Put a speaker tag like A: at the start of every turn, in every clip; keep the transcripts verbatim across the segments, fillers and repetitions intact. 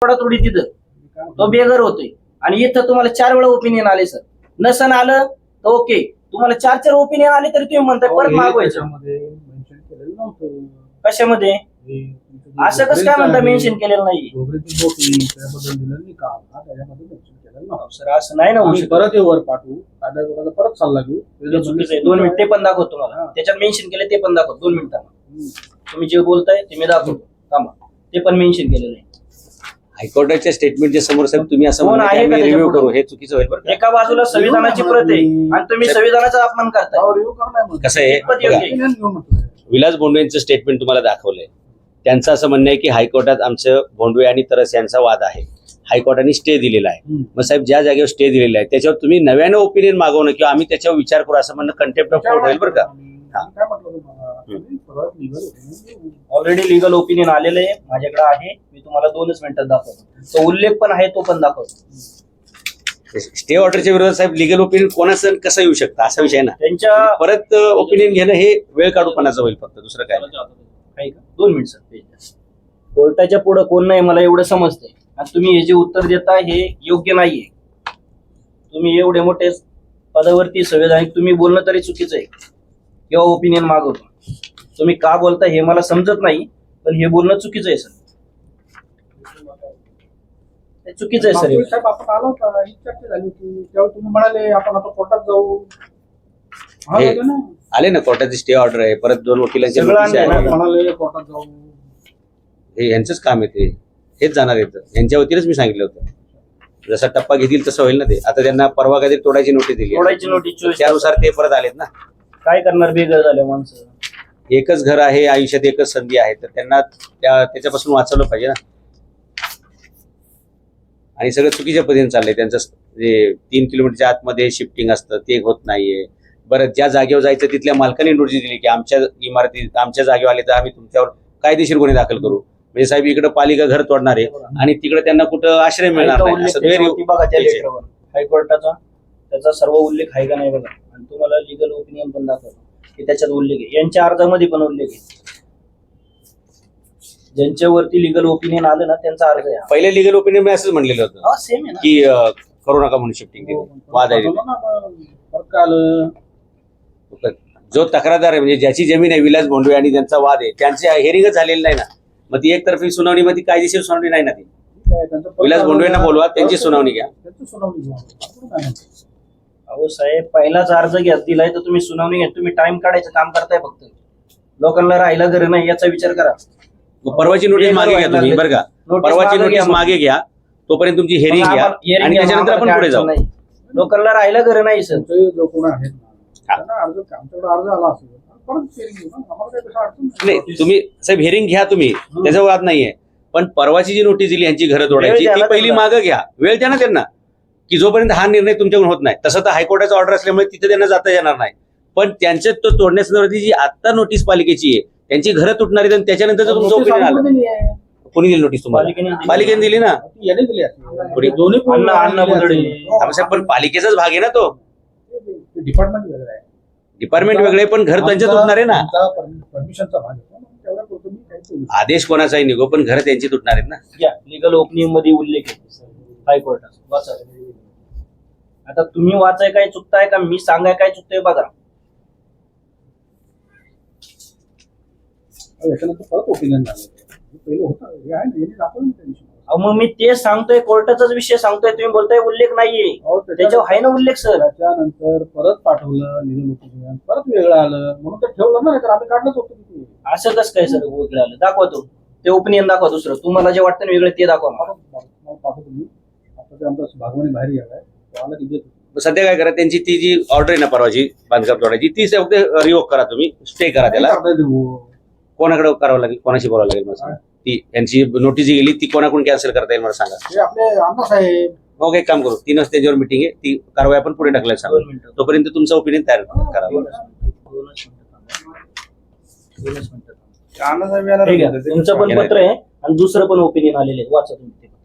A: तोडातोडी तिथं तो बेघर होतोय आणि इथं तुम्हाला चार वेळा ओपिनियन आले सर. नसन आलं तर ओके, तुम्हाला चार चार ओपिनियन आले तरी तुम्ही म्हणताय परत मागवायचं. कशामध्ये असं कसं काय म्हणता मेन्शन केलेलं नाही सर? असं नाही ना होऊ शकत.
B: परत वर पाठवू परत सल्ला घेऊ.
A: दोन मिनिट ते पण दाखवतो तुम्हाला, त्याच्यात मेन्शन केले ते पण दाखवतो. दोन मिनिटांना तुम्ही जे बोलताय ते मी दाखवतो. थांबा, ते पण मेन्शन केलेलं आहे.
C: हायकोर्टाच्या स्टेटमेंटच्या समोर साहेब तुम्ही असं
A: कोण आहे का
C: रिव्ह्यू करू, हे चुकीचं होईल बरं का?
A: एका बाजूला संविधानाची प्रत आहे आणि तुम्ही संविधानाचा अपमान करताय.
C: कसं आहे बघा, विलास भोंडवे यांचं स्टेटमेंट तुम्हाला दाखवलंय. त्यांचं असं म्हणणं आहे की हायकोर्टात आमचं भोंडवे आणि तरस यांचा वाद आहे, हायकोर्टाने स्टे दिलेला आहे. मग साहेब ज्या जागेवर स्टे दिलेला आहे त्याच्यावर तुम्ही नव्यानं ओपिनियन मागवणं किंवा आम्ही त्याच्यावर विचार करू असं म्हणणं कंटेम्प्ट ऑफ कोर्ट होईल बरं का?
A: ऑलरेडी लिगल ओपिनियन आलेलं आहे माझ्याकडे आहे, मी तुम्हाला दोनच मिनिटात दाखवतो. तो उल्लेख पण आहे, तो पण दाखवतो.
C: स्टे ऑर्डरच्या विरोधात साहेब लिगल ओपिनियन कोणाचं कसं येऊ शकतं असा विषय ना.
A: त्यांच्या
C: परत ओपिनियन घेणं हे वेळ काढूपणाचं होईल फक्त, दुसरं काय
A: नाही. दोन मिनिट सर, कोर्टाच्या पुढे कोण नाही मला एवढं समजतंय. आणि तुम्ही हे जे उत्तर देता हे योग्य नाहीये. तुम्ही एवढे मोठे पदावरती संविधानिक तुम्ही बोलणं तरी चुकीचं आहे किंवा ओपिनियन मागवतो. तुम्ही का बोलता हे मला समजत नाही, पण हे बोलणं चुकीचं आहे सर. चुकीचं आहे सर.
B: साहेब आपण आलो होता, ही चर्चा झाली होती तेव्हा तुम्ही म्हणाले आपण आता कोर्टात जाऊ.
C: आले ना कोर्टाची स्टे ऑर्डर आहे, परत दोन वकिलांचे
B: म्हणाले कोर्टात जाऊ.
C: हे यांचंच काम आहे, ते हेच जाणार येतं. यांच्या वतीनच मी सांगितलं होतं जसा टप्पा घेतील तसं होईल ना ते. आता त्यांना परवा काहीतरी तोडायची नोटीस दिली,
A: तोडायची नोटीस,
C: त्यानुसार ते परत आलेत ना.
A: काय करणार, बेघर झाले माणसं.
C: एकच घर आहे आयुष्यात, एकच संधी आहे, तर त्यांना त्या त्याच्यापासून वाचवलं पाहिजे ना. आणि सगळं चुकीच्या पद्धतीने चाललंय त्यांचं. जे तीन किलोमीटरच्या आतमध्ये शिफ्टिंग असतं ते होत नाहीये. बरं, ज्या जागेवर जायचं तिथल्या मालकाने नोटीस दिली की आमच्या इमारतीत आमच्या जागेवर आले तर आम्ही तुमच्यावर कायदेशीर गुन्हे दाखल करू. म्हणजे साहेब इकडे पालिका घर तोडणार आहे आणि तिकडे त्यांना कुठं आश्रय मिळणार नाही.
A: बघा त्या लेटरवर हायकोर्टाचा त्याचा सर्व उल्लेख आहे का नाही बघा. आणि तुम्हाला लिगल ओपिनियन पण दाखवतो की त्याच्यात उल्लेख आहे. यांच्या अर्जामध्ये पण उल्लेख आहे. ज्यांच्यावरती लिगल ओपिनियन आलं ना त्यांचा अर्ज आहे.
C: पहिले लिगल ओपिनियन मी असंच म्हणलेलं होतं
A: सेम आहे ना
C: की करू नका म्हणून शिफ्टिंग वाद आहे. जो तक्रारदार आहे म्हणजे ज्याची जमीन आहे विलास भोंडवे आणि त्यांचा वाद आहे त्यांचे हेरिंगच झालेलं नाही ना. मग ती एकतर्फी सुनावणी मध्ये कायदेशीर सुनावणी नाही ना. ती विलास भोंडवेंना बोलवा, त्यांची सुनावणी घ्या.
A: अहो साहेब, पहिलाच अर्ज घ्या दिलाय तर तुम्ही सुनावणी घ्या. तुम्ही टाइम काढायचं काम करताय फक्त. लोकांना राहायला घर नाही याचा विचार करा.
C: परवाची नोटीस मागे घ्या तुम्ही बरं का. परवाची नोटीस मागे घ्या, तोपर्यंत तुमची हेरिंग घ्या आणि त्याच्यानंतर आपण पुढे जाऊ.
A: लोकांना राहायला घर नाही सर.
B: जो कोण आहेत आमच्याकडे अर्ज आला असेल
C: नाही, तुम्ही साहेब हेरिंग घ्या तुम्ही, त्याचा वाद नाहीये. पण परवाची जी नोटीस दिली यांची घरं तोडायची ती पहिली मागं घ्या. वेळ द्या ना त्यांना, की जोपर्यंत हा निर्णय तुमच्याकडून होत नाही. तसं तर हायकोर्टाचा ऑर्डर असल्यामुळे तिथे त्यांना जाता येणार नाही. पण त्यांच्या तो तोडण्यासंदर्भातली जी आता नोटीस पालिकेची आहे त्यांची घरं तुटणार आहेत आणि त्याच्यानंतर तुमचं ओपिनियन आलं. कोणी दिली नोटीस तुम्हाला? पालिकेने दिली ना. पण पालिकेचाच भाग आहे ना तो.
B: डिपार्टमेंट वेगळं आहे.
C: डिपार्टमेंट वेगळे पण घर त्यांच्या तुटणार आहे ना.
B: परमिशनचा भाग आहे.
C: आदेश कोणाचाही निघो पण घर त्यांची तुटणार आहेत ना.
A: लिगल ओपिनियन मध्ये उल्लेख आहे हायकोर्टाचा. वाचा. आता तुम्ही वाचाय काय चुकताय का मी सांगाय काय चुकतंय बघा.
B: याच्यानंतर परत ओपिनियन झालं. पहिलं होतं हे आहे ना, यांनी दाखवलं त्या दिवशी.
A: मग मी ते सांगतोय, कोर्टाचाच विषय सांगतोय. तुम्ही बोलताय उल्लेख नाहीये. त्याच्यावर आहे ना उल्लेख सर.
B: त्याच्यानंतर परत पाठवलं लिगल ओपिनियन, परत वेगळं आलं म्हणून तर ठेवलं ना, तर आम्ही काढलंच होतं.
A: असं कसं काय सर वेगळं आलं? दाखवा तो ते ओपिनियन दाखवा. दुसरं तुम्हाला जे वाटतं ना वेगळं ते दाखवा.
B: पाठवतो मी. आता ते आमचा भागवणी बाहेर गेलाय, आला की देतो.
C: सध्या काय करा, त्यांची ती जी ऑर्डर आहे ना परवाची बांधकाम तोडायची ती फक्त रिवोक करा तुम्ही, स्टे करा त्याला. कोणाकडे करावं लागेल, कोणाशी बोलावं लागेल मला सांगा. ती यांची नोटीस गेली ती कोणाकडून कॅन्सल करता येईल मला सांगा.
B: आपले अण्णासाहेब.
C: मग एक काम करू, तीन वाजता त्याच्यावर मिटिंग आहे, ती कारवाई आपण पुढे टाकलाय सांगा. तोपर्यंत तुमचं ओपिनियन तयार करा.
A: तुमचं पण पत्र आहे आणि दुसरं पण ओपिनियन आलेलं आहे. वाचा तुम्ही ते.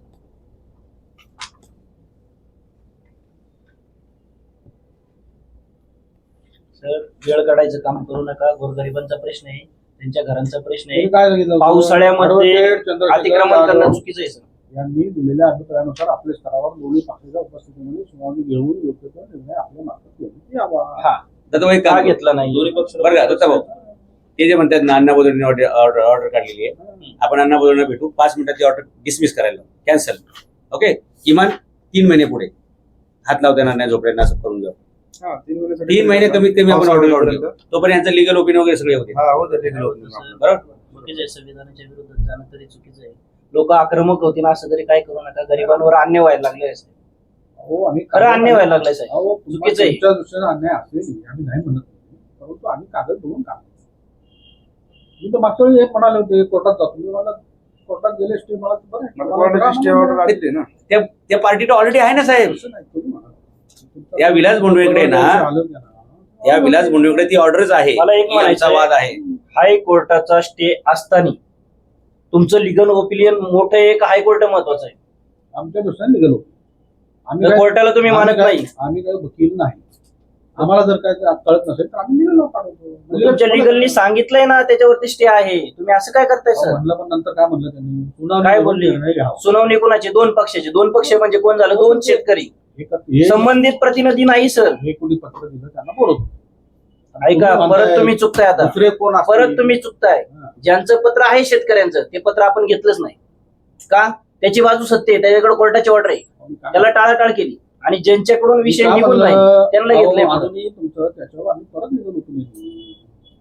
A: सर वेळ काढायचं काम करू नका. गोरगरिबांचा प्रश्न आहे, त्यांच्या घरांचा प्रश्न आहे. पावसाळ्यामध्ये अतिक्रमण करणं चुकीचं आहे सर.
B: यांनी दिलेल्या अभिप्रायानुसार आपल्या स्तरावर दोन्ही पक्षाच्या उपस्थितीमध्ये सुनावणी घेऊन योग्य तो निर्णय आपल्या मार्फत घेण्यात यावा.
A: हा
C: दत्ताभाऊ एक
A: का
C: काम
A: घेतला नाही
B: दोन्ही पक्ष
C: बरं का दत्ताभाऊ, ते जे म्हणतात ना अण्णा बोधवणे ऑर्डर ऑर्डर काढलेली आहे, आपण अण्णा बोधवणे भेटू, पाच मिनिटात ऑर्डर डिसमिस करायला कॅन्सल. ओके, किमान तीन महिने पुढे हात लावता येणार नाही जोपर्यंत असं करून घेऊ.
D: हा, तीन महिन्यासाठी
C: तीन महिने कमीत कमी आपण ऑर्डर काढून घेऊ,
D: पावसाळ्यापर्यंत.
C: तोपर्यंत यांचं लिगल ओपिनियन वगैरे सगळे होते.
D: हा, हो तर legal opening आपलं.
C: बरोबर.
A: चुकीचं आहे, संविधानाच्या विरोधात जाणं तरी चुकीचं आहे. लोक आक्रमक होतील असं तरी काय करू नका, गरिबांवर अन्याय व्हायला लागले.
B: हो, आम्ही
A: खरं अन्याय व्हायला लागलाय साहेब.
B: अहो,
A: चुकीचं आहे.
B: तुमच्या दृष्टीने अन्याय असेल आम्ही नाही म्हणत नाही, परंतु आम्ही कागद बघून काम मी तर मागच्या वेळी एक म्हणाले होते कोर्टात जातो, मी मला कोर्टात गेले स्टे मला बरं आहे.
D: मला
B: मला
D: कोर्टाची स्टे
B: मला-
D: ऑर्डर आली ना.
C: त्या त्या पार्टीला ऑलरेडी आहे ना साहेब.
B: असं नाही, तुम्ही म्हणा. तुमचा-
C: त्या विलास भोंडवेकडे ना-
B: आलं की ना.
C: त्या विलास भोंडवेकडे ती ऑर्डरच आहे,
A: मला एक म्हणायचं
C: आमचा वाद आहे.
A: हायकोर्टाचा स्टे असताना तुमचं लिगल ओपिनियन मोठं आहे का हायकोर्ट महत्वाचं आहे?
B: आमच्या दृष्टीने निघालो आम्ही
A: जर
B: काय-
A: कोर्टाला तुम्ही
B: आम्ही
A: मानत
B: काय-
A: नाही,
B: आम्ही काही वकील नाही. आम्हाला जर काय कळत नसेल तर आम्ही निघालो पाठवतो. म्हणजे
A: तुमच्या लिगलनी सांगितलंय ना त्याच्यावरती स्टे आहे, तुम्ही असं काय करताय
B: अहो,
A: सर?
B: म्हणलं पण नंतर काय म्हणलं त्यांनी पुन्हा
A: काय
B: निघून
A: बोलले?
B: निर्णय घ्यावा.
A: सुनावणी कोणाची? दोन पक्षाचे. दोन पक्ष म्हणजे कोण झालं? दोन शेतकरी.
B: हे- हे-
A: संबंधित प्रतिनिधी नाही सर.
B: हे कोणी पत्र दिलं त्यांना बोलवतो.
A: ऐका,
B: तुम्ही
A: परत
B: म्हणताय,
A: तुम्ही चुकताय आता.
B: दुसरे कोण असतील?
A: परत तुम्ही चुकताय.
B: हा.
A: ज्यांचं पत्र आहे शेतकऱ्यांचं ते पत्र आपण घेतलंच नाही का? त्याची बाजू सत्य आहे, त्याच्याकडे कोर्टाची ऑर्डर आहे,
B: आम्ही काय-
A: त्याला टाळाटाळ केली आणि ज्यांच्याकडून विषय
B: मी काय
A: निघून नाही
B: म्हणलं,
A: त्यांना
B: अहो,
A: घेतलंय पुढं.
B: अजूनही तुमचं त्याच्यावर आम्ही परत निघून उठून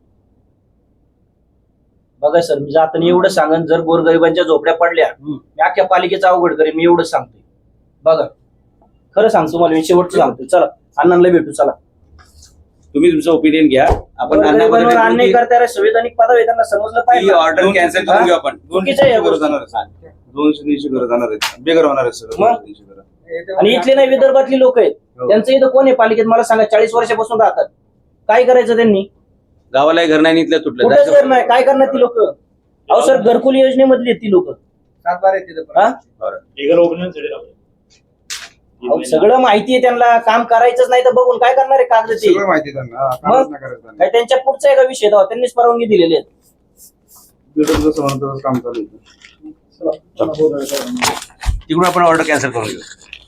A: बघा सर, मी जाताना एवढं सांगन, जर गोरगरिबांच्या झोपड्या पडल्या
B: हम्म.
A: मी अख्ख्या पालिकेचं अवघड करेन, मी एवढं सांगतोय. बघा, खरं सांगतो तुम्हाला, मी शेवटचं सांगतोय. चला अण्णांना भेटू. चला,
C: तुम्ही तुमचं ओपिनियन घ्या. आपण अण्णा
A: गोरगरिबांवर
C: बोधवणे
A: अन्याय करणाऱ्या संविधानिक पदवी आहे, त्यांना समजलं पाहिजे.
C: ऑर्डर कॅन्सल करून घेऊ आपण.
A: चुकीचं आहे या
D: दोनशे
A: गोष्टी.
D: जाणार आहे. दोनशे तीनशे घरं जाणार आहेत, बेघर होणार आहेत सगळं.
A: मग?
D: दोनशे तीनशे घरं.
A: आणि इथले नाही, विदर्भातली लोक आहेत,
D: हो.
A: त्यांचं इथं कोण आहे पालिकेत मला सांगा? चाळीस वर्षापासून राहतात. काय करायचं त्यांनी?
C: गावालाही घर नाही इथल्या तुटलं.
A: कुठेच घर नाही. काय करणार ती लोक? अहो सर, घरकुल योजनेमधली आहेत ती लोक. सगळं माहिती आहे त्यांना, काम करायचंच नाही तर बघून काय करणार आहे कागद ते?
D: सगळं माहिती आहे त्यांना. हा, कामच नाही करायचं त्यांना.
A: काय त्यांच्या पुढचा आहे का विषय? तेव्हा त्यांनीच परवानगी दिलेली आहे.
D: बिल्डर जसं म्हणतं तसं काम चालू आहे.
C: तिकडून आपण ऑर्डर कॅन्सल करून घेऊ.